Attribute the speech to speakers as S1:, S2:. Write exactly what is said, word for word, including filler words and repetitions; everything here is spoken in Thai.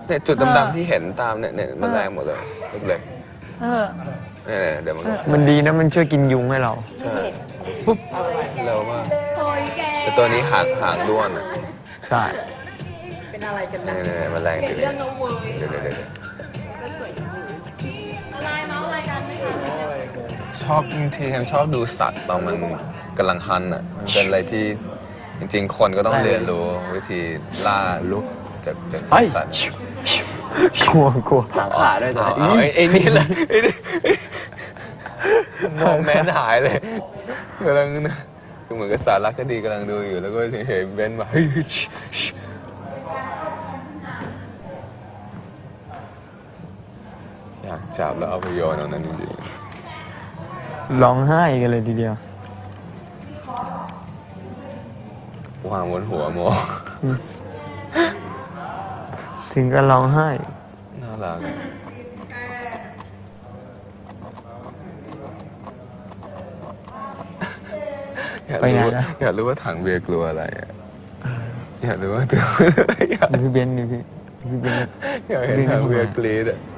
S1: เนี่ยจุดดำๆที่เห็นตามเนี่ยเนี่ยมันแรงหมดเลยเล็กๆ
S2: เออ
S1: เนี่ยเดี๋ยวมัน
S3: มันดีนะมันช่วยกินยุงให้เรา
S1: ใช่ปุ๊บเร็วมากแต่ตัวนี้หางหางด้วนอ่ะ
S3: ใช่
S2: เป็นอะไรกันนะ
S1: เนี่ยมันแรงจริงเดี๋ยวเดี๋ยวเดี๋ยวชอบที่ฉันชอบดูสัตว์ตอนมันกำลังฮันอ่ะมันเป็นอะไรที่จริงๆคนก็ต้องเรียนรู้วิธีล่าลุกจากจากสัตว์
S3: กลัวกลัว
S1: หางขาด้วยตัวนี้ไอ้นี่แหละไอ้นี่มองแมนหายเลยกำลังนะคือเหมือนกับสารคดีกำลังดูอยู่แล้วก็เห็นเบนมาอยากจับแล้วเอาไปโยนตรงนั้นจริง
S3: ๆร้องไห้กันเลยทีเดียว
S1: วางบนหัวโม
S3: ถึงก็ร้องไห้
S1: น่ารักอยากรู้อยากรู้ว่าถังเบียร์กลัวอะไรอยากรู้ว่าตัวอะไร
S3: พี่เบนนี่พี่พี่เบน
S1: อยากเห็นถังเบียร์กรี๊ดอ่ะ